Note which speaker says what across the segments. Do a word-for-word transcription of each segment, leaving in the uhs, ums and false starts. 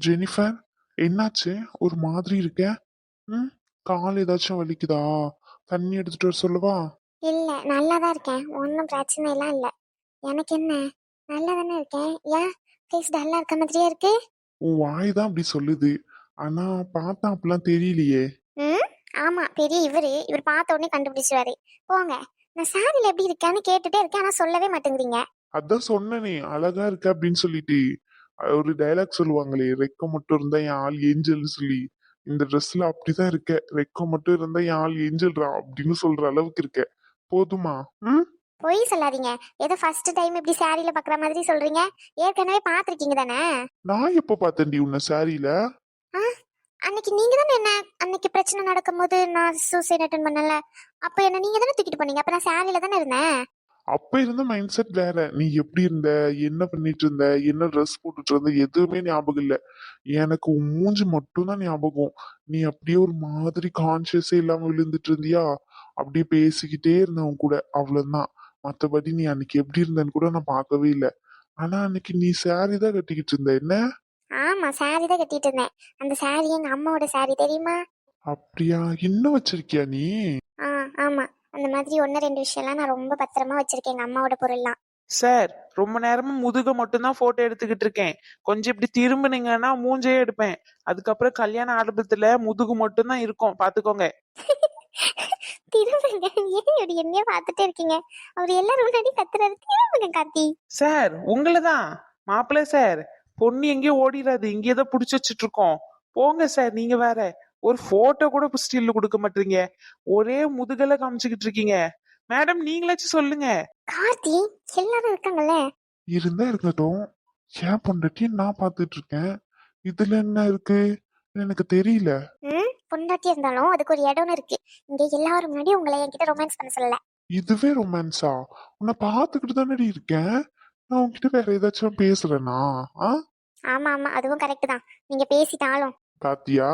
Speaker 1: Jennifer, என்னாச்சு? ஒரு மாதிரி இருக்க. ம் கால் ஏதாச்சும் வலிக்குதா? தண்ணி எடுத்துட்டு வர சொல்லவா?
Speaker 2: இல்ல நல்லா தான் இருக்கேன், ஒன்றும் பிரச்சனை எல்லாம் இல்ல. எனக்கு என்ன, நல்லா தானே இருக்கேன். ஏன் ஃபேஸ் டல்லா இருக்க மாதிரியே இருக்கு?
Speaker 1: உன் வாய் தான் அப்படி சொல்லுது. ஆனா பார்த்தா அப்படிலாம் தெரியலையே.
Speaker 2: ம் ஆமா, பெரிய இவரு இவர் பார்த்த உடனே கண்டுபிடிச்சிருவாரு. போங்க. நான் சாரியில் எப்படி இருக்கேன்னு கேட்டுட்டே இருக்கேன், ஆனா சொல்லவே மாட்டேங்கிறீங்க.
Speaker 1: அதான் சொன்னனே அழகா இருக்க அப்படின்னு சொல்லிட்டு. அஹ் ஒரு டைலாக் சொல்லுவாங்களே, ரெக்கம் மட்டும் இருந்தா என் ஆள் ஏஞ்சல்னு சொல்லி. இந்த ட்ரெஸ்ல அப்படிதான் இருக்க. ரெக்கம் மட்டும் இருந்தா என் ஆள் ஏஞ்சல்ரா அப்படின்னு சொல்ற அளவுக்கு இருக்க. போதுமா? ம்
Speaker 2: பொய் சொல்லாதீங்க. ஏதோ ஃபர்ஸ்ட் டைம் இப்படி சாரியில பார்க்குற மாதிரி சொல்றீங்க. ஏற்கனவே பார்த்துருக்கீங்க தானே?
Speaker 1: நான் எப்ப பார்த்தேன்டி உன்னை சாரியில?
Speaker 2: ஆ அன்னைக்கு நீங்க தானே என்ன, அன்னைக்கு பிரச்சனை நடக்கும்போது நான் சூசைட் அட்டன் பண்ணல, அப்ப என்ன நீங்க தானே தூக்கிட்டு போனீங்க. அப்ப நான் சாரியில தானே இருந்தேன்.
Speaker 1: அப்ப இருந்த மைண்ட் செட் வேற. நீ எப்படி இருந்த, என்ன பண்ணிட்டு இருந்த, என்ன ட்ரெஸ் போட்டுட்டு இருந்த, எதுவுமே ஞாபகம் இல்ல. எனக்கு உன் மூஞ்சி மட்டும் தான் ஞாபகம். நீ அப்படியே ஒரு மாதிரி கான்சியஸே இல்லாம விழுந்துட்டு இருந்தியா. அப்படியே பேசிக்கிட்டே இருந்த உன் கூட, அவ்வளவுதான். மத்தபடி நீ அன்னைக்கு எப்படி இருந்தன்னு கூட நான் பார்க்கவே இல்லை. ஆனா அன்னைக்கு நீ saree தான் கட்டிக்கிட்டு இருந்த என்ன?
Speaker 2: ஆமா, சாரி தான் கட்டிட்டு இருந்தேன். அந்த சாரி எங்க அம்மாவோட சாரி, தெரியுமா?
Speaker 1: அப்படியா? இன்னும் வச்சிருக்கியா நீ?
Speaker 2: ஆ ஆமா, அந்த மாதிரி ஒன்று ரெண்டு விஷயம்லாம் நான் ரொம்ப பத்திரமா வச்சிருக்கேன், எங்க அம்மாவோட பொருள்லாம்.
Speaker 3: சார், ரொம்ப நேரமா முதுக மட்டும்தான் போட்டோ எடுத்துக்கிட்டு இருக்கேன். கொஞ்சம் இப்படி திரும்பினீங்கன்னா மூஞ்சே எடுப்பேன். அதுக்கப்புறம் கல்யாண ஆல்பத்துல முதுகு மட்டும்தான் இருக்கும், பாத்துக்கோங்க.
Speaker 2: திரும்புங்க. ஏன் இப்படி என்னைய பார்த்துட்டே இருக்கீங்க? அவர் எல்லாரும் முன்னாடி கத்துறாரு, திரும்புங்க கார்த்தி.
Speaker 3: சார், உங்களதான் மாப்பிள்ள சார். பொண்ணு எங்கேயோ ஓடிடாது, இங்கேதான் புடிச்சு வச்சுட்டு இருக்கோம். போங்க சார், நீங்க வேற ஒரு போட்டோ கூட ஸ்டில் கொடுக்க மாட்டீங்க. ஒரே முதுகல காமிச்சுக்கிட்டு இருக்கீங்க. மேடம், நீங்களாச்சும் சொல்லுங்க.
Speaker 2: கார்த்தி, எல்லாரும் இருக்காங்கல்ல.
Speaker 1: இருந்தா இருக்கட்டும். ஏன் பொண்டாட்டி நான் பார்த்துட்டு இருக்கேன். இதுல என்ன இருக்கு? எனக்கு தெரியல.
Speaker 2: ம் பொண்டாட்டி இருந்தாலும் அதுக்கு ஒரு இடம்னு இருக்கு. இங்க எல்லாரும் முன்னாடி உங்களை என்கிட்ட ரொமான்ஸ் பண்ண சொல்லல.
Speaker 1: இதுவே ரொமான்ஸா? உன்னை பார்த்துக்கிட்டு தானடி இருக்கேன். நான் உன்கிட்ட வேற ஏதாச்சும் பேசுறேனா? ஆ
Speaker 2: ஆமா ஆமா, அதுவும் கரெக்ட் தான். நீங்க பேசிட்டாலும்
Speaker 1: பாத்தியா?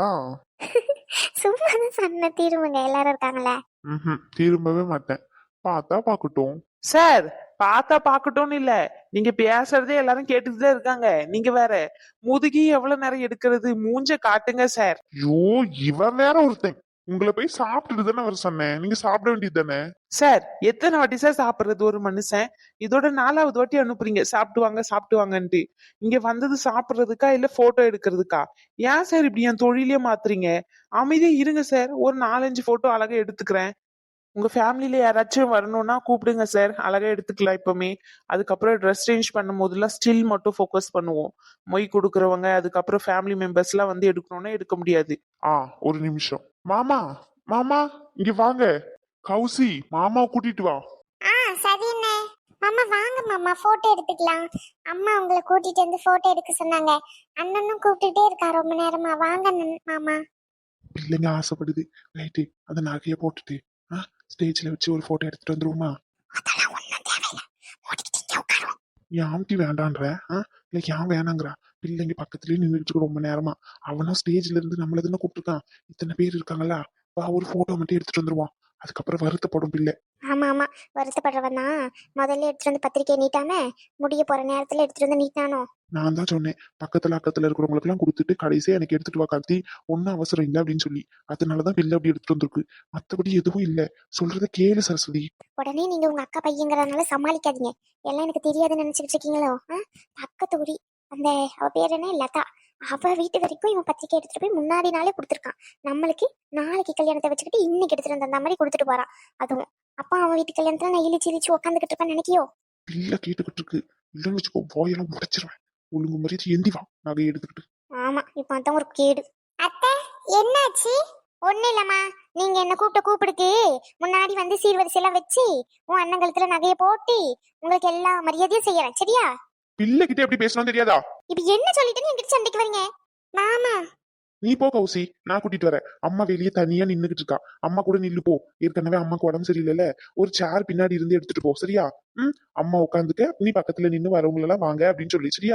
Speaker 2: சும்மா தான் சொன்ன, திரும்புங்க, எல்லாரும் இருக்காங்கல்ல.
Speaker 1: ம் திரும்பவே மாட்டேன். பார்த்தா பார்க்கட்டும்.
Speaker 3: சார், பார்த்தா பாக்கட்டும்னு இல்ல, நீங்க பேசுறதே எல்லாரும் கேட்டுட்டுதான் இருக்காங்க. நீங்க வேற முதுகி எவ்வளவு நேரம் எடுக்கிறது, மூஞ்ச காட்டுங்க சார்.
Speaker 1: ஐயோ, இவன் வேற ஒருத்தன். உங்களை போய் சாப்பிட்டுட்டு தானே வர சொன்னேன். நீங்க சாப்பிட வேண்டியது தானே?
Speaker 3: சார், எத்தனை வாட்டி சார் சாப்பிடுறது ஒரு மனுஷன்? இதோட நாலாவது வாட்டி அனுப்புறீங்க சாப்பிட்டு வாங்க சாப்பிட்டு வாங்கன்ட்டு. இங்க வந்தது சாப்பிடுறதுக்கா இல்ல போட்டோ எடுக்கிறதுக்கா? ஏன் சார் இப்படி என் தொழிலே மாத்துறீங்க? அமைதியா இருங்க சார், ஒரு நாலஞ்சு போட்டோ அழகா எடுத்துக்கிறேன். உங்க ஃபேமிலியில யாராச்சும் வரணும்னா கூப்பிடுங்க சார், அழகா எடுத்துக்கலாம் இப்பவுமே. அதுக்கப்புறம் ட்ரெஸ் சேஞ்ச் பண்ணும் போதெல்லாம் ஸ்டில் மட்டும் ஃபோக்கஸ் பண்ணுவோம். மொய் கொடுக்குறவங்க அதுக்கப்புறம் ஃபேமிலி மெம்பர்ஸ் எல்லாம் வந்து எடுக்கணும்னா எடுக்க முடியாது.
Speaker 1: ஆ ஒரு நிமிஷம். மாமா, மாமா, இங்க வாங்க. கௌசி, மாமாவை கூட்டிட்டு வா.
Speaker 2: ஆ சரி என்ன. மாமா வாங்க மாமா, போட்டோ எடுத்துக்கலாம். அம்மா உங்களை கூட்டிட்டு வந்து போட்டோ எடுக்க சொன்னாங்க. அண்ணனும் கூப்பிட்டுட்டே இருக்கா ரொம்ப நேரமா. வாங்க அண்ணன், மாமா.
Speaker 1: பிள்ளைங்க ஆசைப்படுது. ரைட்டு, அந்த நகையை போட்டுட்டு ஸ்டேஜ்ல வச்சு ஒரு போட்டோ எடுத்துட்டு வந்துருவோமா?
Speaker 2: அதெல்லாம் ஒண்ணும் தேவையில்லை, மூடிக்கிட்டு இங்கே உட்காரும்.
Speaker 1: என் ஆம்டி வேண்டான்ற இல்ல, ஏன் வேணாங்கிறா? பிள்ளைங்க பக்கத்துலயே நின்றுட்டு ரொம்ப நேரமா. அவனும் ஸ்டேஜ்ல இருந்து நம்மள தானே கூப்பிட்டுருக்கான். இத்தனை பேர் இருக்காங்களா, வா ஒரு போட்டோ மட்டும் எடுத்துட்டு வந்துருவான். அதுக்கப்புறம் வருத்தப்படும் பிள்ளை.
Speaker 2: ஆமா ஆமா, வருத்தப்படுறவன் தான். முதல்ல எடுத்துட்டு வந்து பத்திரிக்கை நீட்டாம முடிய போற நேரத்துல எடுத்துட்டு வந்து நீட்டானோ.
Speaker 1: நான் தான் சொன்னேன், பக்கத்துல அக்கத்துல இருக்கிறவங்களுக்கு எல்லாம் கொடுத்துட்டு கடைசியா எனக்கு எடுத்துட்டு வா கார்த்தி, ஒன்னும் அவசரம் இல்லை அப்படின்னு சொல்லி. அதனாலதான் பிள்ளை அப்படி எடுத்துட்டு வந்திருக்கு. மத்தபடி எதுவும் இல்ல. சொல்றத கேளு சரஸ்வதி.
Speaker 2: உடனே நீங்க உங்க அக்கா பையங்கிறதுனால சமாளிக்காதீங்க. எல்லாம் எனக்கு தெரியாதுன்னு நினைச்சுக்கிட்டு இருக்கீங்களோ? பக்கத்து ஊரி அந்த அவ பேர் என்ன, லதா. அவ வீட்டு வரைக்கும் இவன் பத்திரிக்கை எடுத்துட்டு போய் முன்னாடி நாளே கொடுத்துருக்கான். நம்மளுக்கு நாளைக்கு கல்யாணத்தை வச்சுக்கிட்டு இன்னைக்கு எடுத்துட்டு வந்த மாதிரி கொடுத்துட்டு போறான். அதுவும் அப்பா அவன் வீட்டு கல்யாணத்துல நான் இழிச்சு இழிச்சு உட்காந்துக்கிட்டு இருப்பேன்னு நினைக்கியோ?
Speaker 1: பிள்ளை கேட்டுக்கிட்டு இருக்கு. இல்லைன்னு வச்சுக்கோ, போயெல்லாம் முடைச்சிருவேன். ஒழுங்கு மரியாதை எந்தி வா நகையை எடுத்துக்கிட்டு.
Speaker 2: ஆமா, இப்ப அதான் ஒரு கேடு. அத்தை, என்னாச்சு? ஒண்ணு இல்லம்மா, நீங்க என்ன கூப்பிட்ட கூப்பிடுக்கு முன்னாடி வந்து சீர்வரிசையெல்லாம் வச்சு உன் அண்ணன் கழுத்துல நகையை போட்டு உங்களுக்கு எல்லா மரியாதையும் செய்யறேன், சரியா?
Speaker 1: பிள்ளை கிட்ட எப்படி பேசணும் தெரியாதா?
Speaker 2: இப்ப என்ன சொல்லிட்டு என்கிட்ட சண்டைக்கு வரீங்க? மாமா,
Speaker 1: நீ போ கௌசி, நான் கூட்டிட்டு வரேன். அம்மா வெளியே தனியா நின்னுகிட்டு இருக்கா. அம்மா கூட நில்லு போ. ஏற்கனவே அம்மாக்கு உடம்பு சரியில்லைல்ல. ஒரு சேர் பின்னாடி இருந்து எடுத்துட்டு போ, சரியா? ம் அம்மா உட்காந்துக்க, நீ பக்கத்துல நின்னு வரவங்க எல்லாம் வாங்க அப்படின்னு சொல்லி, சரியா?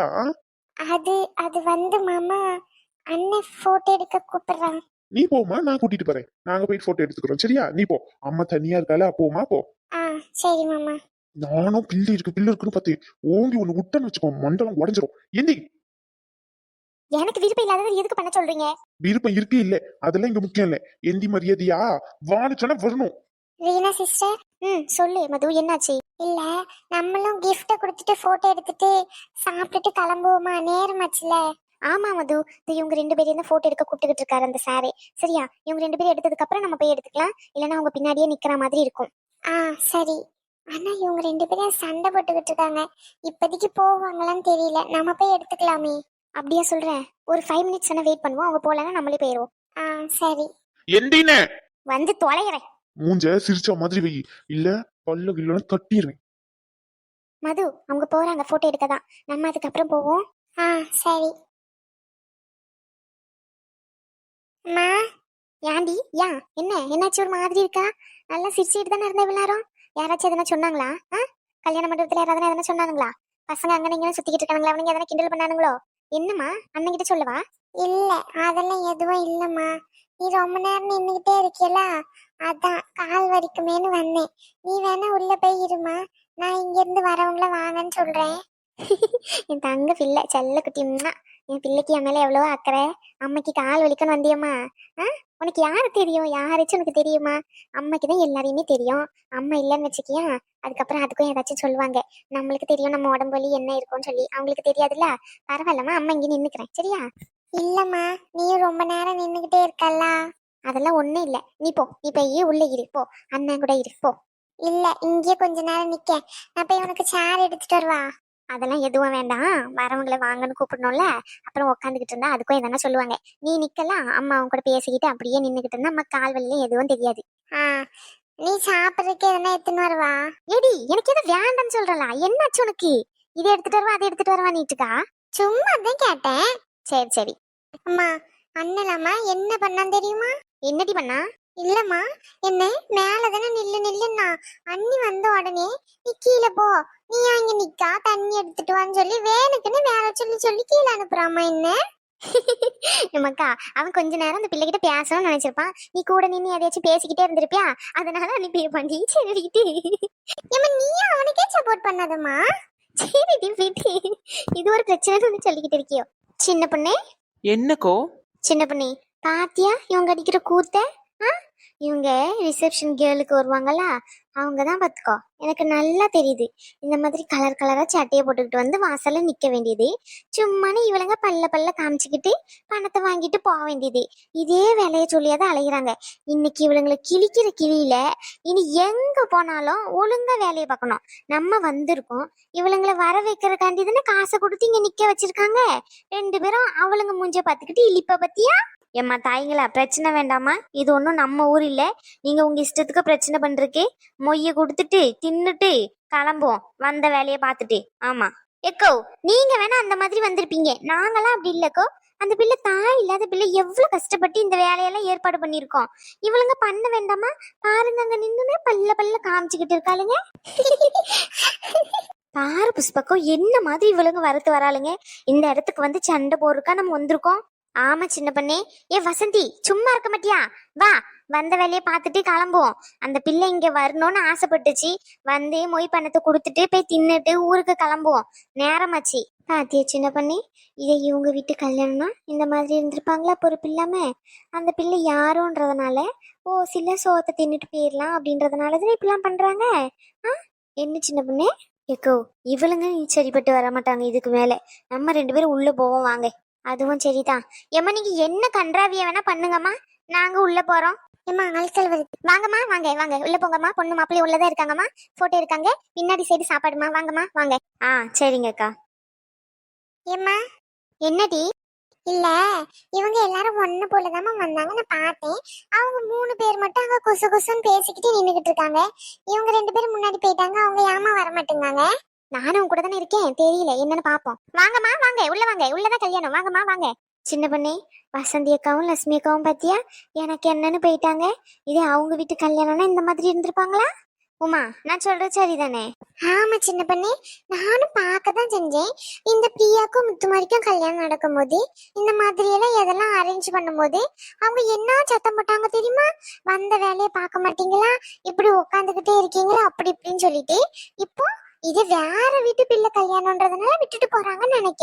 Speaker 2: அது அது வந்து மாமா, அண்ணன் போட்டோ எடுக்க கூப்பிடுறான்.
Speaker 1: நீ போமா, நான் கூட்டிட்டு போறேன். நாங்க போயிட்டு போட்டோ எடுத்துக்கிறோம், சரியா? நீ போ. அம்மா தனியா இருக்கால, போமா போ.
Speaker 2: ஆ சரி மாமா.
Speaker 1: நானும் பில்லு இருக்கு பில்லு இருக்குன்னு பார்த்தேன். ஓங்கி ஒண்ணு விட்டன்னு வச்சுக்கோ, மண்டலம் உடஞ்சிரும். எந்தி.
Speaker 2: எனக்கு விருப்பம் இல்லாதது எதுக்கு பண்ண சொல்றீங்க?
Speaker 1: விருப்பம் இருக்கு இல்ல அதெல்லாம் இங்க முக்கியம் இல்ல. எந்தி மரியாதையா வான்னு சொன்னா வரணும்.
Speaker 2: ரீனா சிஸ்டர், ம் சொல்லு மது, என்னாச்சு? இல்ல, நம்மளும் gift கொடுத்துட்டு போட்டோ எடுத்துட்டு சாப்பிட்டுட்டு கிளம்புவோமா? நேரமாச்சுல. ஆமா மது, இது இவங்க ரெண்டு பேரையும் தான் போட்டோ எடுக்க கூப்பிட்டுக்கிட்டு இருக்காரு அந்த சாரே. சரியா, இவங்க ரெண்டு பேரும் எடுத்ததுக்கு அப்புறம் நம்ம போய் எடுத்துக்கலாம். இல்லைன்னா அவங்க பின்னாடியே நிக்கிற மாதிரி இருக்கும். ஆ சரி. ஆனா இவங்க ரெண்டு பேரும் சண்டை போட்டுக்கிட்டு இருக்காங்க. இப்போதைக்கு போவாங்களான்னு தெரியல. நம்ம போய் எடுத்துக்கலாமே. அப்படியா சொல்றேன். ஒரு ஃபைவ் மினிட்ஸ் தானே வெயிட் பண்ணுவோம். அவங்க போகலன்னா நம்மளே போயிடுவோம். ஆ சரி.
Speaker 1: எந்தினே
Speaker 2: வந்து தொலைகிறேன்.
Speaker 1: மூஞ்ச சிரிச்ச மாதிரி வை, இல்ல பல்ல கில்லன்னு தட்டிடுவேன்.
Speaker 2: மது, அவங்க போறாங்க போட்டோ எடுக்க தான். நம்ம அதுக்கப்புறம் போவோம். ஆ சரி. அம்மா, ஏண்டி யா என்ன என்னாச்சு ஒரு மாதிரி இருக்கா? நல்லா சிரிச்சுட்டு தானே இருந்த விளாரம். யாராச்சும் எதனா சொன்னாங்களா? ஆ கல்யாண மண்டபத்துல யாராவது எதனா சொன்னாங்களா? பசங்க அங்க நீங்க சுத்திக்கிட்டு இருக்காங்களா? அவனுங்க எதனா கிண்டல் பண்ணானுங்களோ? என்னம்மா, அண்ணன் கிட்ட சொல்லவா? இல்ல, அதெல்லாம் எதுவும் இல்லம்மா. நீ ரொம்ப நேரம் நின்னுகிட்டே இருக்கியல, அதான் கால் வலிக்குமேன்னு வந்தேன். நீ வேணா உள்ள போய் இருமா, நான் இங்க இருந்து வரவங்கள வாங்கன்னு சொல்றேன். என் தங்க பிள்ளை செல்ல குட்டிம்னா, என் பிள்ளைக்கு என் மேல எவ்வளவோ அக்கறை. அம்மைக்கு கால் வலிக்கன்னு வந்தியம்மா. ஆ உனக்கு யாரு தெரியும்? யாராச்சும் உனக்கு தெரியுமா? அம்மைக்கு தான் எல்லாரையுமே தெரியும். அம்மா இல்லைன்னு வச்சுக்கியா, அதுக்கப்புறம் அதுக்கும் ஏதாச்சும் சொல்லுவாங்க. நம்மளுக்கு தெரியும் நம்ம உடம்பு வலி என்ன இருக்கும்னு சொல்லி. அவங்களுக்கு தெரியாதுல்ல. பரவாயில்லம்மா, அம்மா இங்கே நின்னுக்கிறேன். சரியா? இல்லம்மா, நீயும் ரொம்ப நேரம் நின்னுகிட்டே இருக்கல்ல. அதெல்லாம் ஒண்ணும் இல்ல. நீ போ, நீ போய் உள்ள இரு போ. அண்ணன் கூட இரு போ. இல்ல, இங்கே கொஞ்ச நேரம் நிக்க. நான் போய் உனக்கு சேர் எடுத்துட்டு வருவா. அதெல்லாம் எதுவும் வேண்டாம். வரவங்களை வாங்கன்னு கூப்பிடணும்ல. அப்புறம் உட்காந்துக்கிட்டு இருந்தா அதுக்கும் எதனா சொல்லுவாங்க. நீ நிக்கலாம், அம்மா அவங்க கூட பேசிக்கிட்டு அப்படியே நின்னுக்கிட்டு இருந்தா அம்மா கால் வலியும் எதுவும் தெரியாது. ஆ நீ சாப்பிட்றதுக்கு எதனா எடுத்துன்னு வருவா. ஏடி, எனக்கு எதுவும் வேண்டாம்னு சொல்றல. என்னாச்சு உனக்கு? இதை எடுத்துட்டு வருவா அதை எடுத்துட்டு வருவா நீட்டுக்கா? சும்மா தான் கேட்டேன். சரி சரி. அம்மா, அண்ணலாமா என்ன பண்ணான்னு தெரியுமா? என்னடி பண்ணா? இல்லம்மா, என்ன மேலதானே நில்லு நில்லுன்னா, அண்ணி வந்த உடனே நீ கீழே போ, நீ அங்க நிக்கா தண்ணி எடுத்துட்டு வான்னு சொல்லி வேணுக்குன்னு வேலை சொல்லி சொல்லி கீழே அனுப்புறாமா. என்ன நமக்கா, அவன் கொஞ்ச நேரம் அந்த பிள்ளைகிட்ட பேசணும்னு நினைச்சிருப்பான். நீ கூட நின்று எதையாச்சும் பேசிக்கிட்டே இருந்திருப்பியா, அதனால அனுப்பியிருப்பாண்டி. சரிட்டு நீயும் அவனுக்கே சப்போர்ட் பண்ணாதம்மா. சரிடி விட்டு, இது ஒரு பிரச்சனை சொல்லிக்கிட்டு இருக்கியோ. சின்ன பொண்ணே.
Speaker 3: என்னக்கோ?
Speaker 2: சின்ன பொண்ணே, பாத்தியா இவங்க அடிக்கிற கூத்த? ஆ இவங்க ரிசப்ஷன் கேர்ளுக்கு வருவாங்கல்ல, அவங்க தான் பார்த்துக்கோ. எனக்கு நல்லா தெரியுது. இந்த மாதிரி கலர் கலரா சட்டையை போட்டுக்கிட்டு வந்து வாசல்ல நிக்க வேண்டியது. சும்மானு இவளுங்க பல்ல பல்ல காமிச்சுக்கிட்டு பணத்தை வாங்கிட்டு போக வேண்டியது. இதே வேலையை சொல்லியாதான் அலைகிறாங்க. இன்னைக்கு இவளுங்களை கிழிக்கிற கிளியில இனி எங்க போனாலும் ஒழுங்கா வேலையை பார்க்கணும். நம்ம வந்திருக்கோம், இவளுங்களை வர வைக்கிறக்காண்டி தானே காசை கொடுத்து இங்க நிக்க வச்சிருக்காங்க. ரெண்டு பேரும் அவளுங்க மூஞ்ச பார்த்துக்கிட்டு இழிப்ப பத்தியா? ஏம்மா தாய்ங்களா, பிரச்சனை வேண்டாமா? இது ஒன்றும் நம்ம ஊர் இல்லை. நீங்க உங்க இஷ்டத்துக்கு பிரச்சனை பண்றதுக்கு மொய்ய கொடுத்துட்டு தின்னுட்டு கிளம்புவோம், வந்த வேலையை பார்த்துட்டு. ஆமா எக்கோ, நீங்க வேணா அந்த மாதிரி வந்திருப்பீங்க, நாங்களாம் அப்படி இல்லக்கோ. அந்த பிள்ளை தாய் இல்லாத பிள்ளை எவ்வளவு கஷ்டப்பட்டு இந்த வேலையெல்லாம் ஏற்பாடு பண்ணிருக்கோம். இவளுங்க பண்ண வேண்டாமா? பாருங்க, அங்க நின்னுமே பல்ல பல்ல காமிச்சுக்கிட்டு இருக்காளுங்க. பாரு புஷ்பக்கம், என்ன மாதிரி இவளுங்க வரத்து வராளுங்க. இந்த இடத்துக்கு வந்து சண்டை போடுறக்கா நம்ம வந்திருக்கோம். ஆமா சின்ன பண்ணே. ஏ வசந்தி, சும்மா இருக்க மாட்டியா? வா, வந்த வேலையை பார்த்துட்டு கிளம்புவோம். அந்த பிள்ளை இங்க வரணும்னு ஆசைப்பட்டுச்சு. வந்து மொய் பணத்தை கொடுத்துட்டு போய் தின்னுட்டு ஊருக்கு கிளம்புவோம். நேரமாச்சு. பாத்தியா சின்ன பண்ணி, இதை இவங்க வீட்டு கல்யாணம்னா இந்த மாதிரி இருந்திருப்பாங்களா பொறுப்பு இல்லாம? அந்த பிள்ளை யாரோன்றதுனால ஓ சில சோத்தை தின்னுட்டு போயிடலாம் அப்படின்றதுனாலதான் இப்படிலாம் பண்றாங்க. ஆ என்ன சின்ன பண்ணே? ஏக்கோ, இவளுங்க சரிப்பட்டு வர மாட்டாங்க இதுக்கு மேல. நம்ம ரெண்டு பேரும் உள்ள போவோம் வாங்க. அதுவும் சரிதான். ஏம்மா, நீங்க என்ன கன்றாவிய வேணா பண்ணுங்கம்மா, நாங்க உள்ள போறோம். ஏம்மா அல்கல் வருது, வாங்கம்மா வாங்க வாங்க உள்ள போங்கம்மா. பொண்ணு மாப்பிள்ளை உள்ளதான் இருக்காங்கம்மா, போட்டோ இருக்காங்க. பின்னாடி சைடு சாப்பாடுமா, வாங்கம்மா வாங்க. ஆ சரிங்க அக்கா. ஏம்மா என்னடி? இல்ல, இவங்க எல்லாரும் ஒண்ணு போலதாம்மா வந்தாங்க, நான் பார்த்தேன். அவங்க மூணு பேர் மட்டும் அங்க குசு குசுன்னு பேசிக்கிட்டு நின்னுகிட்டு இருக்காங்க. இவங்க ரெண்டு பேரும் முன்னாடி போயிட்டாங்க. அவங்க ஏமா வர மாட்டேங்காங்க? நானும் கூட தானே இருக்கேன், தெரியல என்னன்னு பாப்போம். வாங்கம்மா வாங்க, உள்ள வாங்க, உள்ளதான் கல்யாணம், வாங்கம்மா வாங்க. சின்ன பண்ணே, வசந்தி அக்காவும் லட்சுமி அக்காவும் பாத்தியா எனக்கு என்னன்னு போயிட்டாங்க. இதே அவங்க வீட்டு கல்யாணம்னா இந்த மாதிரி இருந்திருப்பாங்களா? உமா, நான் சொல்றது சரிதானே? ஆமா சின்ன பண்ணே, நானும் பார்க்கதான் செஞ்சேன். இந்த பிரியாக்கும் முத்துமாரிக்கும் கல்யாணம் நடக்கும் போது இந்த மாதிரி எல்லாம் எதெல்லாம் அரேஞ்ச் பண்ணும் போது அவங்க என்ன சத்தம் போட்டாங்க தெரியுமா? வந்த வேலையை பார்க்க மாட்டீங்களா, இப்படி உட்காந்துக்கிட்டே இருக்கீங்களா, அப்படி இப்படின்னு சொல்லிட்டு. இப்போ இது வேற வீட்டு பிள்ளை கல்யாணம்ன்றதுனால விட்டுட்டு போறாங்கன்னு நினைக்கேன்.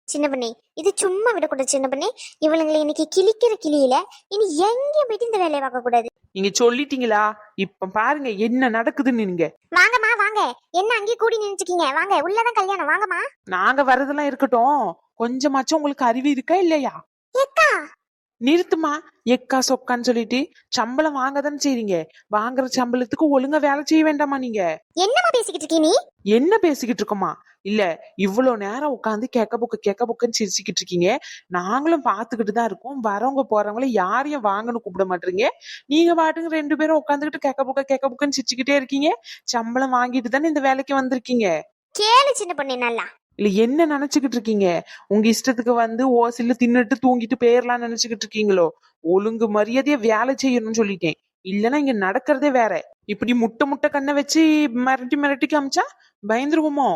Speaker 2: சின்ன பண்ணி இது சும்மா விடக்கூடாது சின்ன பண்ணி. இவளுங்களை இன்னைக்கு கிழிக்கிற கிளியில இனி எங்கேயும் போயிட்டு இந்த வேலையை பார்க்க கூடாது.
Speaker 3: நீங்க சொல்லிட்டீங்களா? இப்ப பாருங்க என்ன நடக்குதுன்னு. நீங்க
Speaker 2: வாங்கம்மா வாங்க. என்ன அங்கேயே கூடி நினைச்சுக்கீங்க? வாங்க, உள்ளதான் கல்யாணம், வாங்கம்மா.
Speaker 3: நாங்க வரதெல்லாம் இருக்கட்டும், கொஞ்சமாச்சும் உங்களுக்கு அறிவு இருக்கா இல்லையா?
Speaker 2: ஏக்கா
Speaker 3: நிறுத்துமா. எக்கா சொக்கான்னு சொல்லிட்டு சம்பளம் வாங்க தானே செய்றீங்க. வாங்குற சம்பளத்துக்கு ஒழுங்கா வேலை செய்ய வேண்டாமா நீங்க?
Speaker 2: என்னம்மா பேசிக்கிட்டு இருக்கீ நீ?
Speaker 3: என்ன பேசிக்கிட்டு இருக்கோமா? இல்ல, இவ்வளவு நேரம் உட்காந்து கேக்க புக்க கேக்க புக்கன்னு சிரிச்சுக்கிட்டு இருக்கீங்க. நாங்களும் பாத்துக்கிட்டு தான் இருக்கோம். வரவங்க போறவங்கள யாரையும் வாங்கன்னு கூப்பிட மாட்டீங்க. நீங்க பாட்டுங்க ரெண்டு பேரும் உட்காந்துக்கிட்டு கேக்க புக்க கேக்க புக்கன்னு சிரிச்சுக்கிட்டே இருக்கீங்க. சம்பளம் வாங்கிட்டு தானே இந்த வேலைக்கு வந்திருக்கீங்க.
Speaker 2: கேளு சின்ன பண்ணி நல்லா.
Speaker 3: இல்ல என்ன நினைச்சுக்கிட்டு இருக்கீங்க? உங்க இஷ்டத்துக்கு வந்து ஓசில தின்னுட்டு தூங்கிட்டு போயிரலாம் நினைச்சுக்கிட்டு இருக்கீங்களோ? ஒழுங்கு மரியாதையா வேலை செய்யணும்னு சொல்லிட்டேன். இல்லன்னா இங்க நடக்கிறதே வேற. இப்படி முட்டை முட்டை கண்ணை வச்சு மிரட்டி மிரட்டி காமிச்சா பயந்துருவோமோ?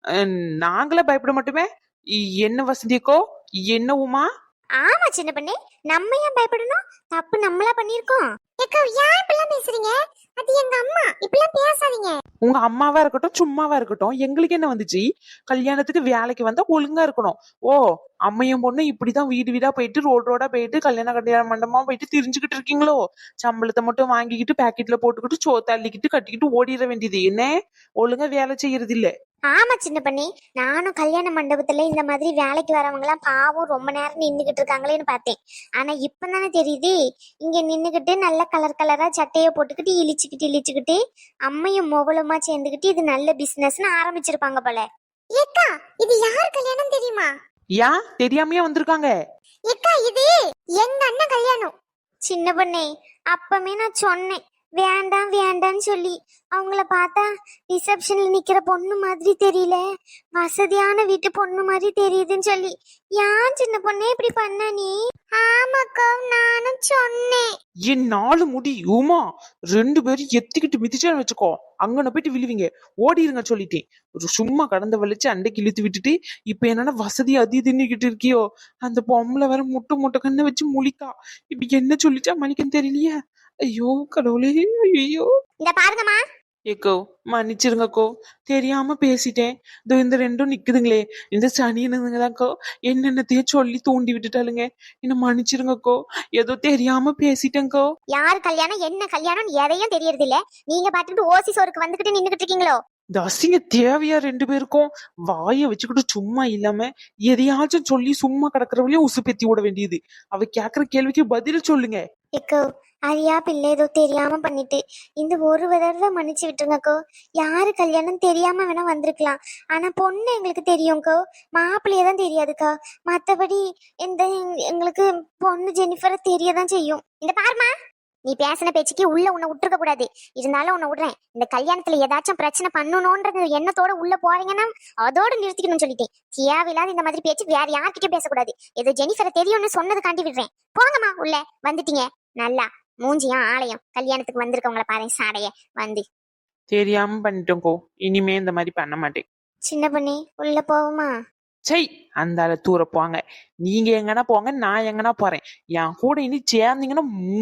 Speaker 3: நாங்களே பயப்பட மாட்டோமே. என்ன வசதிக்கோ என்ன உமா?
Speaker 2: ஆமா சின்ன பண்ணி, நம்ம ஏன் பயப்படணும்? தப்பு நம்மளா பண்ணிருக்கோம். ஏக்கா ஏன் இப்படிலாம் பேசுறீங்க? அது எங்க அம்மா, இப்படிலாம் பேசாதீங்க.
Speaker 3: உங்க அம்மாவா இருக்கட்டும் சும்மாவா இருக்கட்டும், எங்களுக்கு என்ன வந்துச்சு? கல்யாணத்துக்கு வேலைக்கு வந்தா ஒழுங்கா இருக்கணும். ஓ, அம்மையும் பொண்ணு இப்படிதான் வீடு வீடா போயிட்டு ரோடு ரோடா போயிட்டு கல்யாண கல்யாண மண்டபமா போயிட்டு திரிஞ்சுக்கிட்டு இருக்கீங்களோ? சம்பளத்தை மட்டும் வாங்கிக்கிட்டு பாக்கெட்ல போட்டுக்கிட்டு சோ தள்ளிக்கிட்டு கட்டிக்கிட்டு ஓடிட வேண்டியது என்ன? ஒழுங்கா வேலை செய்யறது இல்ல.
Speaker 2: ஆமா சின்ன பண்ணி, நானும் கல்யாண மண்டபத்துல இந்த மாதிரி வேலைக்கு வரவங்க எல்லாம் பாவம் ரொம்ப நேரம் நின்னுகிட்டு இருக்காங்களேன்னு பார்த்தேன். ஆனா இப்பதானே தெரியுது, இங்க நின்னுகிட்டு நல்ல கலர் கலரா சட்டைய போட்டுக்கிட்டு இழிச்சுக்கிட்டு இழிச்சுக்கிட்டு அம்மையும் மொபலுமா சேர்ந்துகிட்டு இது நல்ல பிசினஸ்னு ஆரம்பிச்சிருப்பாங்க போல. ஏக்கா இது யார் கல்யாணம் தெரியுமா?
Speaker 3: யா தெரியாமையா வந்திருக்காங்க?
Speaker 2: ஏக்கா இது எங்க அண்ணன் கல்யாணம். சின்ன பண்ணே, அப்பமே நான் சொன்னேன் வேண்டாம் வேண்டான்னு சொல்லி. அவங்கள பார்த்தா ரிசப்ஷன்ல நிக்கிற பொண்ணு மாதிரி தெரியல, வசதியான வீட்டு பொண்ணு மாதிரி தெரியுதுன்னு சொல்லி. ஏன் சின்ன பொண்ணே இப்படி பண்ண நீ? ஆமாக்கா நானும் சொன்னேன்.
Speaker 3: என் நாலு முடி உமா ரெண்டு பேரும் எத்திக்கிட்டு மிதிச்சான்னு வச்சுக்கோ, அங்கன போயிட்டு விழுவீங்க. ஓடிருங்க சொல்லிட்டேன். ஒரு சும்மா கடந்த வலிச்சு அண்டைக்கு இழுத்து விட்டுட்டு இப்ப என்னன்னா வசதி அதி தின்னுக்கிட்டு இருக்கியோ? அந்த பொம்பளை வேற முட்டை முட்டை கண்ணை வச்சு முழிக்கா. இப்ப என்ன சொல்லிச்சா மணிக்கன்னு தெரியலையா? ஐயோ கடவுளே, ஐயோ.
Speaker 2: இந்த பாருங்கம்மா.
Speaker 3: ஏக்கோ மன்னிச்சிருங்கக்கோ, தெரியாம பேசிட்டேன். இதோ இந்த ரெண்டும் நிக்குதுங்களே, இந்த சனியனுங்கதாக்கோ என்னென்னத்தையே சொல்லி தூண்டி விட்டுட்டாளுங்க. என்ன மன்னிச்சிருங்கக்கோ, ஏதோ தெரியாம பேசிட்டேங்கோ.
Speaker 2: யார் கல்யாணம் என்ன கல்யாணம் எதையும் தெரியறது இல்ல. நீங்க பாத்துட்டு ஓசி சோருக்கு வந்துகிட்டு நின்னுகிட்டு இருக்கீங்களோ?
Speaker 3: இந்த அசிங்க தேவையா ரெண்டு பேருக்கும்? வாய வச்சுக்கிட்டு சும்மா இல்லாம எதையாச்சும் சொல்லி சும்மா கிடக்குறவளையும் உசுப்பேத்தி விட வேண்டியது. அவ கேக்குற கேள்விக்கு பதில் சொல்லுங்க.
Speaker 2: ஏக்கோ அரியா பிள்ளை ஏதோ தெரியாம பண்ணிட்டு இந்த ஒரு தடவை மன்னிச்சு விட்டுருங்கக்கோ. யாரு கல்யாணம் தெரியாம வேணா வந்திருக்கலாம், ஆனா பொண்ணு எங்களுக்கு தெரியும்க்கோ, மாப்பிள்ளையதான் தெரியாதுக்கா. மத்தபடி இந்த எங்களுக்கு பொண்ணு ஜெனிஃபரை தெரியதான் செய்யும். இந்த பாருமா, நீ பேசின பேச்சுக்கு உள்ள உன்னை விட்டுருக்க கூடாது. இருந்தாலும் உன்னை விடுறேன். இந்த கல்யாணத்துல ஏதாச்சும் பிரச்சனை பண்ணணும்ன்ற எண்ணத்தோட உள்ள போறீங்கன்னா அதோட நிறுத்திக்கணும்னு சொல்லிட்டேன். தேவையில்லாத இந்த மாதிரி பேச்சு வேற யார்கிட்டயும் பேசக்கூடாது. ஏதோ ஜெனிஃபரை தெரியும்னு சொன்னது காண்டி விடுறேன். போங்கம்மா உள்ள. வந்துட்டீங்க நல்லா மூஞ்சியும் ஆலயம் கல்யாணத்துக்கு வந்திருக்கவங்கள பாரு சாடைய வந்து.
Speaker 3: தெரியாம பண்ணிட்டோங்கோ, இனிமே இந்த மாதிரி பண்ண மாட்டேன்.
Speaker 2: சின்ன பண்ணி உள்ள போவோமா?
Speaker 3: சை, அந்த ஆள தூர போங்க. நீங்க எங்கன்னா போங்க, நான் எங்கன்னா போறேன். என் கூட இனி சேர்ந்தீங்கன்னா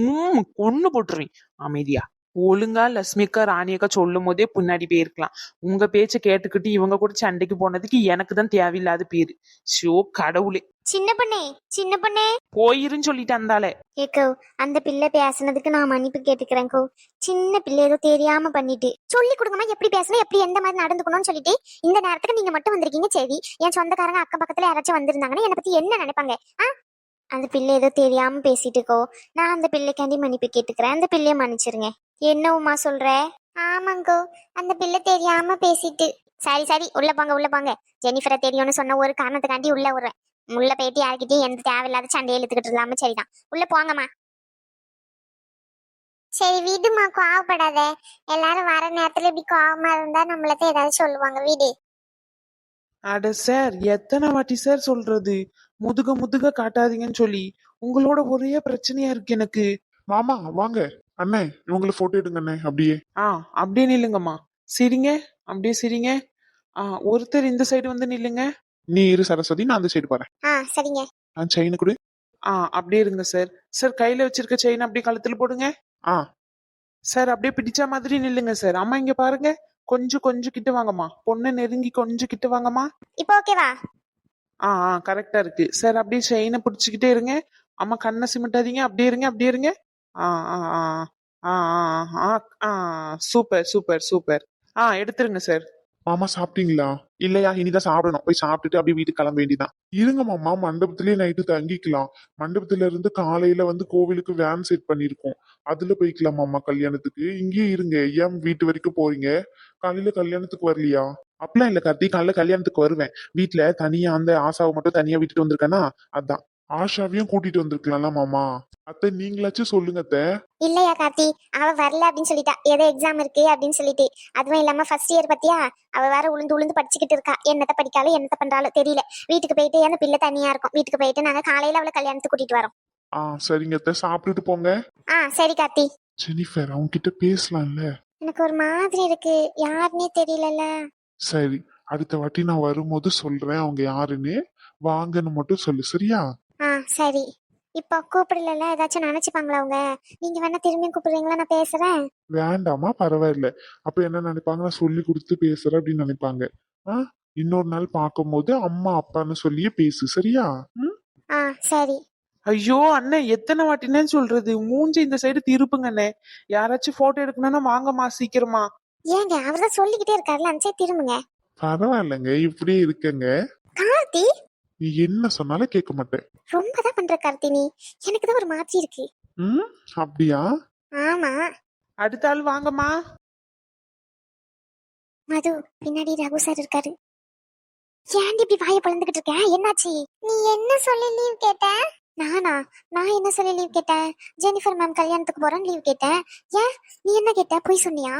Speaker 3: கொன்னு போட்டுருவேன். அமைதியா ஒழுங்கா லட்சுமிக்கா ராணியக்கா சொல்லும் போதே பின்னாடி போயிருக்கலாம். உங்க பேச்ச கேட்டுக்கிட்டு இவங்க கூட சண்டைக்கு போனதுக்கு எனக்கு தான் தேவையில்லாத பேரு. ஷோ கடவுளே.
Speaker 2: சின்ன பண்ணே சின்ன பண்ணே
Speaker 3: போயிருன்னு சொல்லிட்டு அந்தாலே.
Speaker 2: ஏக்கோ அந்த பிள்ளை பேசுனதுக்கு நான் மன்னிப்பு கேட்டுக்கிறேன்க்கோ. சின்ன பிள்ளை ஏதோ தெரியாம பண்ணிட்டு. சொல்லி கொடுங்கம்மா எப்படி பேசணும், எப்படி எந்த மாதிரி நடந்துக்கணும்னு சொல்லிட்டு. இந்த நேரத்துக்கு நீங்க மட்டும் வந்திருக்கீங்க சரி, என் சொந்தக்காரங்க அக்கம் பக்கத்துல யாராச்சும் வந்திருந்தாங்கன்னா என்னை பத்தி என்ன நினைப்பாங்க? ஆ அந்த பிள்ளை ஏதோ தெரியாம பேசிட்டுக்கோ. நான் அந்த பிள்ளைக்காண்டி மன்னிப்பு கேட்டுக்கிறேன். அந்த பிள்ளைய மன்னிச்சிருங்க. என்ன உமா சொல்ற? ஆமாங்கோ, அந்த பிள்ளை தெரியாம பேசிட்டு. சரி சரி உள்ள போங்க உள்ள போங்க. ஜெனிஃபரை தெரியும்னு சொன்ன ஒரு காரணத்துக்காண்டி உள்ள விடுறேன். உள்ள போயிட்டு யாருக்கிட்டையும் எந்த தேவையில்லாத சண்டையை இழுத்துக்கிட்டு இல்லாம சரிதான். உள்ள போங்கம்மா. சரி வீடுமா, கோவப்படாத. எல்லாரும் வர நேரத்துல இப்படி கோவமா இருந்தா நம்மளதான் ஏதாவது சொல்லுவாங்க. வீடு.
Speaker 3: அட சார், எத்தனை வாட்டி சார் சொல்றது முதுக முதுக காட்டாதீங்கன்னு சொல்லி? உங்களோட ஒரே பிரச்சனையா இருக்கு எனக்கு.
Speaker 1: மாமா வாங்க. அண்ணே இவங்களை போட்டோ எடுங்க அண்ணே. அப்படியே
Speaker 3: ஆ அப்படியே நில்லுங்கம்மா. சிரிங்க, அப்படியே சிரிங்க. ஆ ஒருத்தர் இந்த சைடு வந்து நில்லுங்க.
Speaker 1: நீ இரு சரஸ்வதி, நான் அந்த சைடு போறேன்.
Speaker 2: ஆ சரிங்க.
Speaker 1: நான் செயின் கொடு.
Speaker 3: ஆ அப்படியே இருங்க சார். சார் கையில வச்சிருக்க செயின் அப்படியே கழுத்துல போடுங்க.
Speaker 1: ஆ
Speaker 3: சார் அப்படியே பிடிச்ச மாதிரி நில்லுங்க சார். அம்மா இங்க பாருங்க, கொஞ்சம் கொஞ்சம் கிட்ட வாங்கம்மா. பொண்ணு நெருங்கி கொஞ்சம் கிட்ட வாங்கம்மா.
Speaker 2: இப்போ ஓகேவா?
Speaker 3: ஆ ஆ கரெக்டா இருக்கு சார். அப்படியே செயினை பிடிச்சிக்கிட்டே இருங்க. அம்மா கண்ணை சிமிட்டாதீங்க. அப்படியே இருங்க, அப்படியே இருங்க. ஆ ஆ ஆ ஆ ஆ ஆ ஆ சூப்பர் சூப்பர் சூப்பர். ஆ எடுத்துருங்க சார்.
Speaker 1: மாமா சாப்பிட்டீங்களா? இல்லையா, இனிதான் சாப்பிடணும். போய் சாப்பிட்டுட்டு அப்படியே வீட்டுக்கு கிளம்ப வேண்டியதான். இருங்க மாமா, மண்டபத்திலேயே நைட்டு தங்கிக்கலாம். மண்டபத்துல இருந்து காலையில வந்து கோவிலுக்கு வேன் செட் பண்ணிருக்கோம். அதுல போய்க்கலாம் மாமா கல்யாணத்துக்கு. இங்கேயே இருங்க, ஏன் வீட்டு வரைக்கும் போறீங்க? காலையில கல்யாணத்துக்கு வரலையா? அப்படிலாம் இல்ல கார்த்தி, காலையில கல்யாணத்துக்கு வருவேன். வீட்டுல தனியா அந்த ஆசாவை மட்டும் தனியா விட்டுட்டு வந்திருக்கேனா, அதான். ஆஷாவையும் கூட்டிட்டு வந்திருக்கலாம்ல மாமா. அத்தை நீங்களாச்சும் சொல்லுங்க அத்தை.
Speaker 2: இல்லையா கார்த்தி, அவ வரல அப்படின்னு சொல்லிட்டா. ஏதோ எக்ஸாம் இருக்கு அப்படின்னு சொல்லிட்டு. அதுவும் இல்லாம ஃபர்ஸ்ட் இயர் பத்தியா, அவ வேற உளுந்து உளுந்து படிச்சுக்கிட்டு இருக்கா. என்னத்த படிக்காலும் என்னத்த பண்றாலும் தெரியல. வீட்டுக்கு போயிட்டு அந்த பிள்ளை தனியா இருக்கும். வீட்டுக்கு போயிட்டு நாங்க காலையில அவளை கல்யாணத்துக்கு கூட்டிட்டு வரோம்.
Speaker 1: ஆ சரிங்க அத்தை, சாப்பிட்டுட்டு போங்க.
Speaker 2: ஆ சரி கார்த்தி.
Speaker 1: ஜெனிஃபர் அவங்க கிட்ட பேசலாம்ல?
Speaker 2: எனக்கு ஒரு மாதிரி இருக்கு, யாருன்னே தெரியலல்ல.
Speaker 1: சரி, அடுத்த வாட்டி நான் வரும்போது சொல்றேன் அவங்க யாருன்னு. வாங்கன்னு மட்டும் சொல்லு, சரியா?
Speaker 2: ஆ சரி. இப்போ கூப்பிடல, ஏதாச்சும் நினைச்சுப்பாங்களா அவங்க? நீங்க வேணா திரும்பி கூப்பிடுறீங்களா, நான் பேசுறேன்.
Speaker 1: வேண்டாமா, பரவாயில்ல. அப்ப என்ன நினைப்பாங்க, நான் சொல்லி கொடுத்து பேசுறேன் அப்படின்னு நினைப்பாங்க. ஆ இன்னொரு நாள் பார்க்கும்போது அம்மா அப்பான்னு சொல்லியே பேசு, சரியா? ம்?
Speaker 2: ஆ சரி.
Speaker 3: ஐயோ அண்ணன், எத்தனை வாட்டினே சொல்றது? மூஞ்சி இந்த சைடு திருப்புங்க அண்ணே. யாராச்சும் போட்டோ எடுக்கணும்னா வாங்கம்மா சீக்கிரமா.
Speaker 2: ஏங்க அவர்தான் சொல்லிக்கிட்டே இருக்காருல்ல, அந்த சைடு திரும்புங்க.
Speaker 1: பரவாயில்லைங்க, இப்படியே இருக்கங்க.
Speaker 2: கார்த்தி
Speaker 1: நீ என்ன சொன்னாலும் கேட்க மாட்டேன்.
Speaker 2: ரொம்ப தான் பண்ற கார்த்தி நீ. எனக்கு தான் ஒரு மாதிரி இருக்கு.
Speaker 1: ம் அப்படியா?
Speaker 2: ஆமா.
Speaker 3: அடுத்த ஆள் வாங்கம்மா.
Speaker 2: மது, பின்னாடி ரகு சார் இருக்காரு. ஏன்டி இப்படி வாயை பழந்துகிட்டு இருக்க? என்னாச்சு? நீ என்ன சொல்லி லீவ் கேட்ட? நானா? நான் என்ன சொல்லி லீவ் கேட்டேன்? ஜெனிஃபர் மேம் கல்யாணத்துக்கு போறேன் லீவ் கேட்டேன். ஏன் நீ என்ன கேட்ட? போய் சொன்னியா?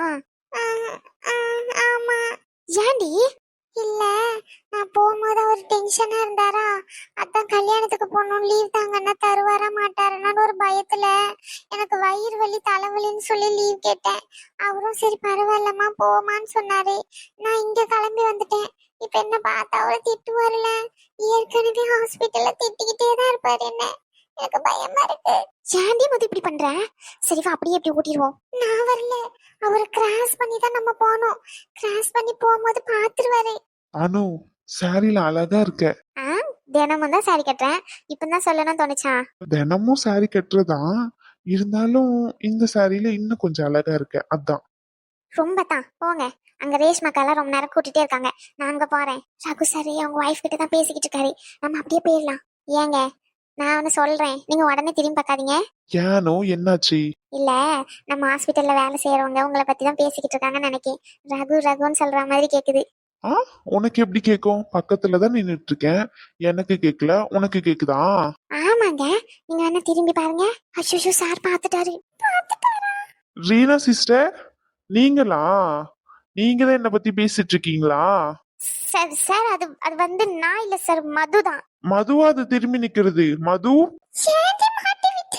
Speaker 2: ஆமா. ஏன்டி? இல்ல, நான் போகும்போது அவர் டென்ஷனா இருந்தாரா, அதான் கல்யாணத்துக்கு போகணும் லீவ் தாங்கன்னா தருவாரா மாட்டாருன்னு ஒரு பயத்துல எனக்கு வயிறு வலி தலைவலின்னு சொல்லி லீவ் கேட்டேன். அவரும் சரி பரவாயில்லம்மா போமான்னு சொன்னாரு. நான் இங்க கிளம்பி வந்துட்டேன். இப்ப என்ன பார்த்தா அவரை திட்டுவாருல, ஏற்கனவே ஹாஸ்பிட்டல்ல திட்டிக்கிட்டே தான் இருப்பாரு என்ன. எனக்கு பயமா இருக்கு. ஏன்டி மது இப்படி பண்ற? சரி வா, அப்படியே எப்படி ஓட்டிடுவோம். நான் வரல, அவரை கிராஸ் பண்ணி தான் நம்ம போனோம். கிராஸ் பண்ணி போகும்போது பாத்துருவாரு.
Speaker 1: அனு, சாரில அழகா இருக்க.
Speaker 2: ஆ தினமும் தான் சாரி கட்டுறேன். இப்பதான் சொல்லணும்னு தோணுச்சா?
Speaker 1: தினமும் சாரி கட்டுறதான், இருந்தாலும் இந்த சாரியில இன்னும் கொஞ்சம் அழகா இருக்க, அதான்.
Speaker 2: ரொம்ப தான் போங்க. அங்க ரேஷ்மாக்கெல்லாம் ரொம்ப நேரம் கூட்டிட்டே இருக்காங்க. நான் அங்க போறேன். ரகு சார் அவங்க ஒய்ஃப் கிட்ட தான் பேசிக்கிட்டு இருக்காரு. நம்ம அப்படியே போயிடலாம். ஏங்க நான் ஒன்னு சொல்றேன், நீங்க உடனே திரும்பி பார்க்காதீங்க.
Speaker 1: ஏனோ என்னாச்சு?
Speaker 2: இல்ல, நம்ம ஹாஸ்பிட்டல்ல வேலை செய்யறவங்க உங்களை பத்தி தான் பேசிக்கிட்டு இருக்காங்கன்னு நினைக்கேன். ரகு ரகுன்னு சொல்ற மாதிரி கேக்குது.
Speaker 1: ஆ உனக்கு எப்படி கேக்கும்? பக்கத்துல தான் நின்னுட்டு இருக்கேன். எனக்கு கேக்கல, உனக்கு கேக்குதா?
Speaker 2: ஆமாங்க, நீங்க வேணா திரும்பி பாருங்க. அச்சோ சார் பாத்துட்டாரு. பாத்துட்டாரா?
Speaker 1: ரீனா சிஸ்டர், நீங்களா? நீங்க தான் என்ன பத்தி பேசிட்டு இருக்கீங்களா?
Speaker 2: சார் சார் அது அது வந்து நான் இல்ல சார், மது தான்.
Speaker 1: மதுவா அது திரும்பி நிக்கிறது? மது,
Speaker 2: ஏன்டி மாட்டி விட்ட?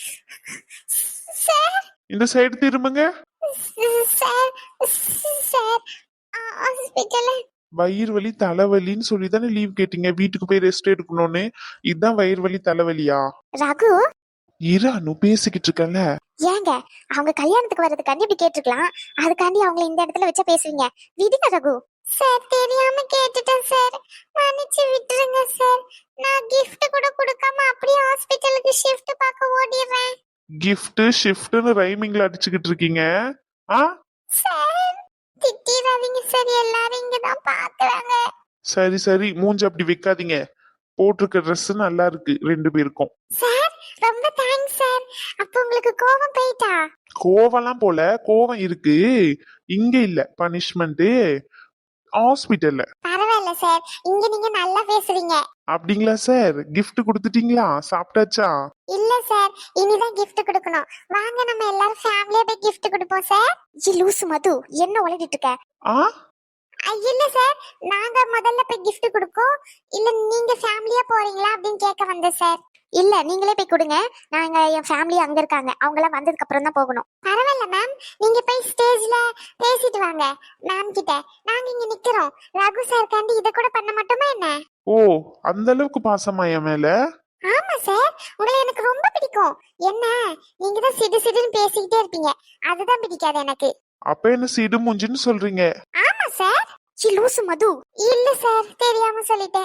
Speaker 2: சார்
Speaker 1: இந்த சைடு திரும்புங்க.
Speaker 2: சார் சார் ஹாஸ்பிட்டல்ல
Speaker 1: வயிறு வலி தலைவலின்னு சொல்லி தானே லீவ் கேட்டீங்க, வீட்டுக்கு போய் ரெஸ்ட் எடுக்கணும்னு. இதுதான் வயிறு வலி தலைவலியா?
Speaker 2: ரகு
Speaker 1: இரு அனு, பேசிக்கிட்டு இருக்கல.
Speaker 2: ஏங்க அவங்க கல்யாணத்துக்கு வர்றதுக்காண்டி இப்படி கேட்டிருக்கலாம். அதுக்காண்டி அவங்கள இந்த இடத்துல வச்சா பேசுவீங்க? விடுங்க ரகு. சார் தெரியாம கேட்டுட்டேன் சார், மன்னிச்சு விட்டுருங்க சார். நான் gift கூட கொடுக்காம அப்படியே ஹாஸ்பிட்டலுக்கு ஷிஃப்ட் பார்க்க ஓடிறேன்.
Speaker 1: கிஃப்ட் ஷிஃப்ட்னு ரைமிங்ல அடிச்சுக்கிட்டு இருக்கீங்க. ஆ
Speaker 2: சார் திட்டிடாதீங்க சார், எல்லாரும் இங்க தான் பாக்குறாங்க.
Speaker 1: சரி சரி, மூஞ்சி அப்படி வைக்காதீங்க. போட்டிருக்க ட்ரெஸ் நல்லா இருக்கு ரெண்டு பேருக்கும்.
Speaker 2: சார் ரொம்ப தேங்க்ஸ் சார். அப்ப உங்களுக்கு கோவம் போயிட்டா?
Speaker 1: கோவம்லாம் போல, கோவம் இருக்கு. இங்க இல்ல பனிஷ்மெண்ட், ஹாஸ்பிட்டல்ல.
Speaker 2: பரவாயில்ல சார், இங்க நீங்க நல்லா பேசுறீங்க.
Speaker 1: அப்படிங்களா சார்? கிஃப்ட் கொடுத்துட்டீங்களா? சாப்பிட்டாச்சா?
Speaker 2: இல்ல சார், இனிதான் gift கொடுக்கணும். வாங்க நம்ம எல்லாரும் ஃபேமிலியா போய் gift கொடுப்போம் சார். ஜி லூசு மது, என்ன உளறிட்டு இருக்க?
Speaker 1: ஆ
Speaker 2: ஐ, இல்ல சார், நாங்க முதல்ல போய் gift கொடுக்கோம். இல்ல நீங்க ஃபேமிலியா போறீங்களா அப்படின்னு கேட்க வந்தேன் சார். இல்ல நீங்களே போய் கொடுங்க. நாங்க என் ஃபேமிலி அங்க இருக்காங்க, அவங்க எல்லாம் வந்ததுக்கு அப்புறம் தான் போகணும். பரவாயில்ல மேம், நீங்க போய் ஸ்டேஜ்ல பேசிட்டு வாங்க மேம் கிட்ட. நாங்க இங்க நிக்கிறோம். ரகு சார் காண்டி இத கூட பண்ண மாட்டோமா என்ன?
Speaker 1: ஓ, அந்த அளவுக்கு பாசமா என் மேல?
Speaker 2: ஆமா சார், உங்களை எனக்கு ரொம்ப பிடிக்கும். என்ன நீங்க தான் சிடு சிடுன்னு பேசிக்கிட்டே இருப்பீங்க, அதுதான் பிடிக்காது எனக்கு.
Speaker 1: அப்ப என்ன சிடு மூஞ்சின்னு சொல்றீங்க?
Speaker 2: ஆமா சார். சி லூசு மது. இல்ல சார், தெரியாம சொல்லிட்டேன்.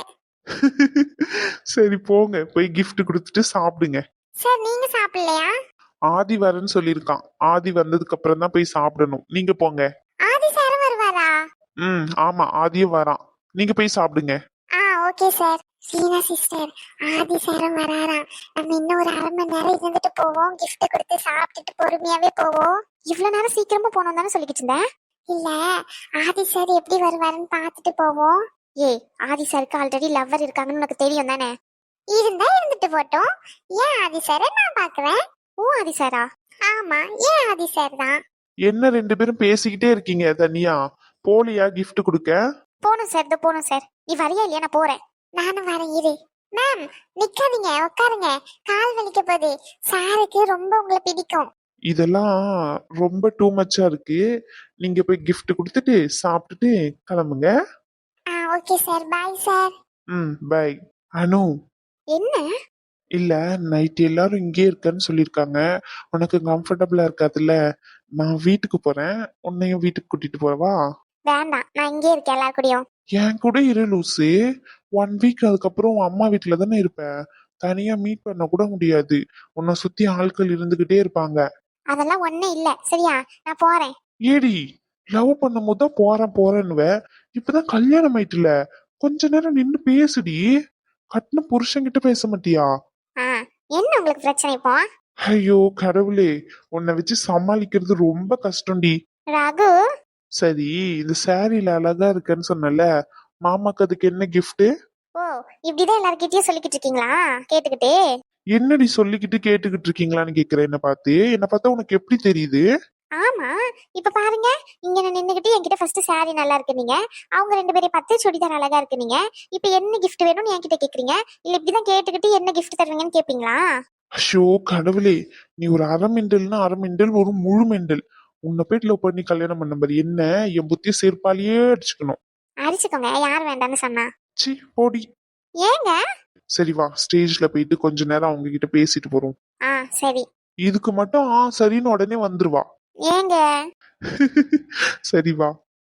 Speaker 1: சரி போங்க போய் gift கொடுத்துட்டு சாப்பிடுங்க.
Speaker 2: சார் நீங்க சாப்பிடலையா?
Speaker 1: ஆதி வரேன்னு சொல்லியிருக்கான். ஆதி வந்ததுக்கு அப்புறம் தான் போய் சாப்பிடணும். நீங்க போங்க.
Speaker 2: ஆதி சாரும் வருவாரா?
Speaker 1: ம் ஆமா ஆதியும் வரான். நீங்க போய் சாப்பிடுங்க.
Speaker 2: ஆ okay sir. Seena sister, Aadhi சாரும் வராராம். நம்ம இன்னும் ஒரு அரை மணி நேரம் இருந்துட்டு போவோம், gift கொடுத்து சாப்பிட்டுட்டு பொறுமையாவே போவோம். இவ்வளவு நேரம் சீக்கிரமா போனோம் தானே சொல்லிக்கிட்டு இருந்தேன். இல்ல, ஆதி சார் எப்படி வருவாருன்னு பார்த்துட்டு போவோம். ஏய், ஆதி சாருக்கு ஆல்ரெடி லவ்வர் இருக்காங்கன்னு உனக்கு தெரியும் தானே? இருந்தா இருந்துட்டு போட்டோம். ஏன் ஆதி சாரை நான் பாக்குறேன். ஓ ஆதி சாரா? ஆமா, ஏன் ஆதி சார் தான்.
Speaker 1: என்ன ரெண்டு பேரும் பேசிக்கிட்டே இருக்கீங்க தனியா? போலியா gift கொடுக்க?
Speaker 2: போணும் சார், இதோ போணும் சார். நீ வரியா இல்லையா? நான் போறேன். நானும் வரேன், இரு. மேம் நிக்காதீங்க, உட்காருங்க. கால் வலிக்க போகுது. சாருக்கு ரொம்ப உங்களை பிடிக்கும்.
Speaker 1: இதெல்லாம் ரொம்ப டூ மச்சா இருக்கு. நீங்க போய் gift கொடுத்துட்டு சாப்பிட்டுட்டு கிளம்புங்க.
Speaker 2: ஆ ஓகே சார், பாய் சார்.
Speaker 1: ம் பை. அனு,
Speaker 2: என்ன?
Speaker 1: இல்ல நைட் எல்லாரும் இங்கே இருக்கன்னு சொல்லியிருக்காங்க. உனக்கு கம்ஃபர்டபுளா இருக்காதுல்ல? நான் வீட்டுக்கு போறேன். உன்னையும் வீட்டுக்கு கூட்டிட்டு போறவா?
Speaker 2: வேண்டாம், நான் இங்கே இருக்கேன் எல்லார் கூடயும்.
Speaker 1: என் கூட இரு லூசு. ஒன் வீக் அதுக்கப்புறம் உன் அம்மா வீட்டுல தானே இருப்ப. தனியா மீட் பண்ண கூட முடியாது. உன்னை சுத்தி ஆட்கள் இருந்துகிட்டே இருப்பாங்க.
Speaker 2: அதெல்லாம் ஒண்ணும் இல்ல, சரியா? நான் போறேன்.
Speaker 1: ஏடி, லவ் பண்ணும் போது தான் போறேன் போறேன்னுவ. இப்பதான் கல்யாணம் ஆயிட்டுல, கொஞ்ச நேரம் நின்னு பேசுடி. கட்டின புருஷன்கிட்ட பேச மாட்டியா?
Speaker 2: ஆ, என்ன உங்களுக்கு பிரச்சனை இப்போ?
Speaker 1: ஐயோ கடவுளே, உன்னை வச்சு சமாளிக்கிறது ரொம்ப கஷ்டம்டி.
Speaker 2: ரகு,
Speaker 1: சரி, இந்த சாரியில அழகா இருக்கேன்னு சொன்னல, மாமாக்கு அதுக்கு என்ன gift?
Speaker 2: ஓ இப்படிதான் எல்லார்கிட்டயும் சொல்லிக்கிட்டு இருக்கீங்களா கேட்டுக்கிட்டே?
Speaker 1: என்னடி சொல்லிக்கிட்டு கேட்டுக்கிட்டு இருக்கீங்களான்னு கேக்குறேன். என்ன பார்த்து, என்ன பார்த்தா உனக்கு எப்படி தெரியுது?
Speaker 2: ஆமா, இப்ப பாருங்க. இங்க நான் நின்னுகிட்டு என்கிட்ட ஃபர்ஸ்ட் சாரி நல்லா இருக்கு நீங்க, அவங்க ரெண்டு பேரையும் பார்த்து சுடிதார் அழகா இருக்கு நீங்க. இப்ப என்ன கிஃப்ட் வேணும்னு என்கிட்ட கேக்குறீங்க? இல்ல இப்படிதான் கேட்டுக்கிட்டு என்ன கிஃப்ட் தருவீங்கன்னு கேப்பீங்களா?
Speaker 1: ஐயோ கடவுளே, நீ ஒரு அரை மெண்டல்னா அரை மெண்டல், ஒரு முழு மெண்டல். உன்னை போயிட்டு லவ் பண்ணி கல்யாணம் பண்ண மாதிரி என்ன என் புத்திய செருப்பாலேயே அடிச்சுக்கணும்.
Speaker 2: அடிச்சுக்கோங்க, யார் வேண்டாம்னு சொன்னா?
Speaker 1: சி போடி.
Speaker 2: ஏங்க?
Speaker 1: சரி வா, ஸ்டேஜ்ல போயிட்டு கொஞ்ச நேரம் அவங்க கிட்ட பேசிட்டு போறோம்.
Speaker 2: ஆ சரி.
Speaker 1: இதுக்கு மட்டும் ஆ சரின்னு உடனே வந்துருவா.
Speaker 2: ஏங்க?
Speaker 1: சரி வா.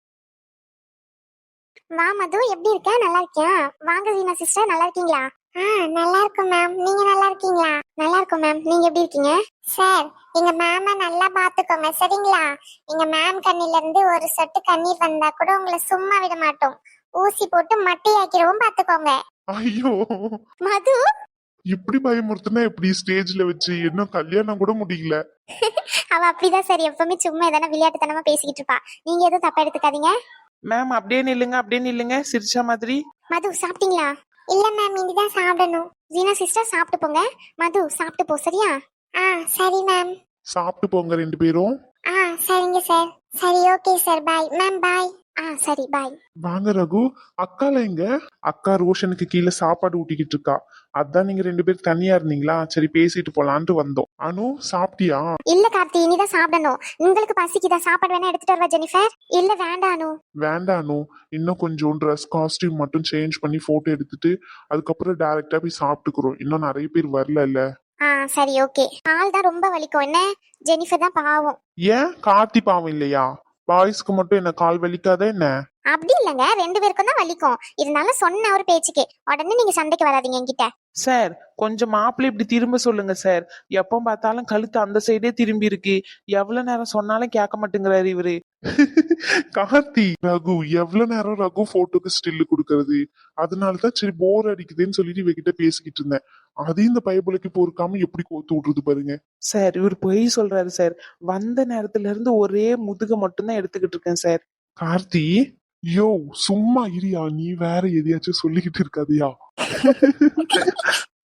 Speaker 2: வா மது, எப்படி இருக்க? நல்லா இருக்கியா? வாங்க வீணா சிஸ்டர், நல்லா இருக்கீங்களா? ஆ நல்லா இருக்கும் மேம், நீங்க நல்லா இருக்கீங்களா? நல்லா இருக்கும் மேம், நீங்க எப்படி இருக்கீங்க? சார், எங்க மேம நல்லா பாத்துக்கோங்க சரிங்களா? எங்க மேம் கண்ணில இருந்து ஒரு சொட்டு கண்ணீர் வந்தா கூட உங்களை சும்மா விட மாட்டோம். ஊசி போட்டு மட்டையாக்கிறவும் பாத்துக்கோங்க.
Speaker 1: ஐயோ,
Speaker 2: மது,
Speaker 1: இப்படி பயமுறுத்துனா எப்படி ஸ்டேஜ்ல வச்சு? இன்னும் கல்யாணம் கூட முடியல.
Speaker 2: அவ அப்படிதான் சார், எப்பவுமே சும்மா எதனா விளையாட்டுத்தனமா பேசிக்கிட்டு இருப்பா. நீங்க எதுவும் தப்பா எடுத்துக்காதீங்க.
Speaker 3: மேம் அப்படியே நில்லுங்க, அப்படியே நில்லுங்க, சிரிச்சா மாதிரி.
Speaker 2: மது சாப்பிட்டீங்களா? இல்ல மேம், இனிதான் சாப்பிடணும். ஜீனா சிஸ்டர் சாப்பிட்டு போங்க. மது சாப்பிட்டு போ, சரியா? ஆ சரி மேம்.
Speaker 1: சாப்பிட்டு போங்க ரெண்டு பேரும்.
Speaker 2: ஆ சரிங்க சார். சரி okay sir, bye ma'am, bye. ஆ சரி பாய்.
Speaker 1: வாங்க ரகு. அக்கால எங்க? அக்கா ரோஷனுக்கு கீழே சாப்பாடு ஊட்டிக்கிட்டு இருக்கா. அதான் நீங்க ரெண்டு பேரும் தனியா இருந்தீங்களா, சரி பேசிட்டு போலான்ட்டு வந்தோம். அனு சாப்பிட்டியா?
Speaker 2: இல்ல கார்த்தி, இனிதான் சாப்பிடணும். உங்களுக்கு பசிக்குதா? சாப்பாடு வேணா எடுத்துட்டு வரவா ஜெனிஃபர்? இல்ல வேண்டாம் அனு.
Speaker 1: வேண்டாம் அனு, இன்னும் கொஞ்சம் ட்ரெஸ் காஸ்டியூம் மட்டும் சேஞ்ச் பண்ணி போட்டோ எடுத்துட்டு அதுக்கப்புறம் டைரக்டா போய் சாப்பிட்டுக்கிறோம். இன்னும் நிறைய பேர் வரல இல்ல.
Speaker 2: ஆ சரி ஓகே. கால் தான் ரொம்ப வலிக்கும் என்ன? ஜெனிஃபர் தான் பாவம்.
Speaker 1: ஏன் கார்த்தி பாவம் இல்லையா? பாய்ஸ்க்கு மட்டும் என்ன கால் வலிக்காத என்ன?
Speaker 2: அப்படி இல்லங்க, ரெண்டு பேருக்கும் தான் வலிக்கும். இருந்தாலும் சொன்ன ஒரு பேச்சுக்கு உடனே நீங்க சண்டைக்கு வராதீங்க என்கிட்ட.
Speaker 3: சார், கொஞ்சம் மாப்பிள்ளை இப்படி திரும்ப சொல்லுங்க சார். எப்போ பார்த்தாலும் கழுத்து அந்த சைடே திரும்பி இருக்கு. எவ்வளவு நேரம் சொன்னாலும் கேட்க மாட்டேங்கிறாரு இவரு.
Speaker 1: கார்த்தி, ரகு எவ்வளவு நேரம் ரகு போட்டோக்கு ஸ்டில்லு கொடுக்கறது? அதனாலதான் சரி போர் அடிக்குதுன்னு சொல்லிட்டு இவகிட்ட பேசிக்கிட்டு இருந்தேன். அதையும் இந்த பயபுலைக்கு பொறுக்காம எப்படி கோத்து விடுறது பாருங்க.
Speaker 3: சார், இவர் பொய் சொல்றாரு சார். வந்த நேரத்துல இருந்து ஒரே முதுக மட்டும்தான் எடுத்துக்கிட்டு இருக்கேன் சார்.
Speaker 1: கார்த்தி, யோ சும்மா இரியா, நீ வேற எதையாச்சும் சொல்லிக்கிட்டு இருக்காதியா?